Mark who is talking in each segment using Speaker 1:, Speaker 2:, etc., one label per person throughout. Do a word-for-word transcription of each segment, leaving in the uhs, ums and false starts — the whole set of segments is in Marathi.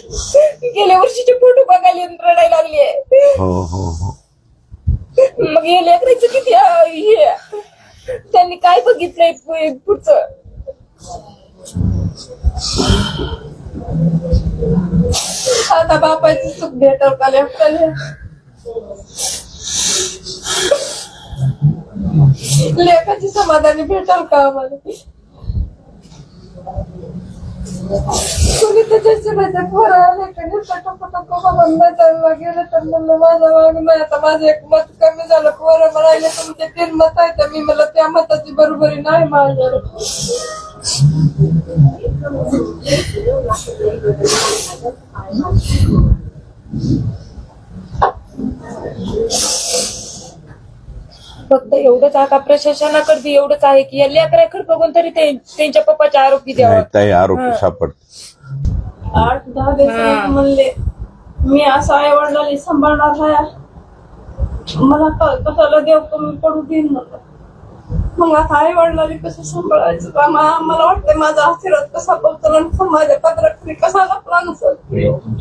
Speaker 1: गेल्या वर्षीचे फोटो बघायला रडायला लागले.
Speaker 2: हो हो हो.
Speaker 1: मग हे लेकराचं किती हे त्यांनी काय बघितलंय पुढचं. आता बापाची सुख भेटल का लेकराला. लेकाची समाधानी भेटल का आम्हाला. कोणी त्याच्या माझ्या पोराला गेलं तर म्हणलं माझं वाग नाही. आता माझं एक मत कमी झालं. पोरं म्हणाले तुमचे तीन मत आहे तर मी मला त्या मताची बरोबरी नाही माझ्याकडे. फक्त एवढंच आहे का प्रशासनाकडे बी एवढंच आहे की या लेकराकडे बघून तरी त्यांच्या पप्पाचे आरोपी द्यावा.
Speaker 2: ताई आरोपी सापडत.
Speaker 3: आठ दहा दिवस म्हणले मी असं आई वडिलांनी सांभाळणार आहे मला कशाला देव कमी पडू देईन मला. मग आता आई वडिलांनी कसं सांभाळायचं मला वाटतं माझा आशीर्वाद कसा पोहोचला आणि माझ्या पत्राखाली कसा लपला नसेल.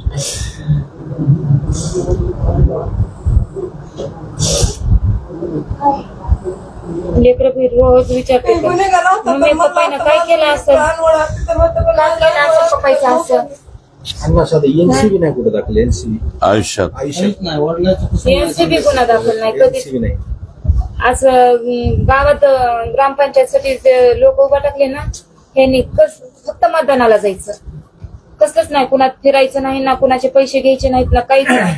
Speaker 1: लेकर रोज विचारते मम्मी पप्पाने काय केलं असं पप्पाचं असं.
Speaker 4: एनसीबी नाही कुठे दाखल. एनसीबी
Speaker 2: आयुष्यात
Speaker 4: आयुष्यात
Speaker 1: एनसीबी गुन्हा दाखल नाही कधीच नाही. असं गावात ग्रामपंचायतसाठी लोक उभा टाकले ना ह्यांनी कस फक्त मतदानाला जायचं. कसलंच नाही. कुणात फिरायचं नाही ना कुणाचे पैसे घ्यायचे नाहीत ना काहीच नाही.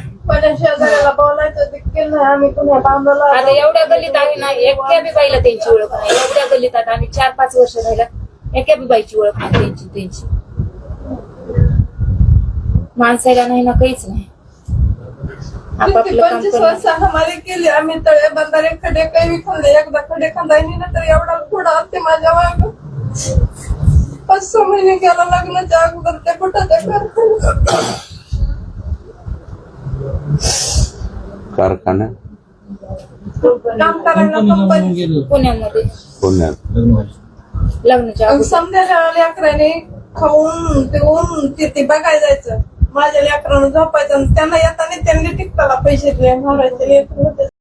Speaker 1: आता एवढ्या गल्लीत आम्ही ना एका बी बाईला त्यांची ओळख नाही. एवढ्या गल्लीत आता आम्ही चार पाच वर्ष राहिला एका बी बाईची ओळख नाही त्यांची त्यांची माणसाला नाही ना काहीच नाही.
Speaker 3: पंचवीस वर्ष हमारे केले आम्ही तळे बंधारे खडे काही खाल्ले. एकदा खडे खांदायनी ना तर एवढा पुढं आलते माझ्या माग. पाच सहा महिने गेला लग्नाच्या अगोदर त्या कुठाच्या
Speaker 2: कारखाना
Speaker 3: काम करायला कंपनी
Speaker 1: पुण्यामध्ये
Speaker 2: पुण्यात
Speaker 1: लग्नाच्या अगोदर.
Speaker 3: समजा लेकराने खाऊन पिऊन तिथे बघायला जायचं. माझ्या लेकरानं झोपायचं त्यांना येताना त्यांनी टिकताला पैसे दिले मारायचे लेकर होते.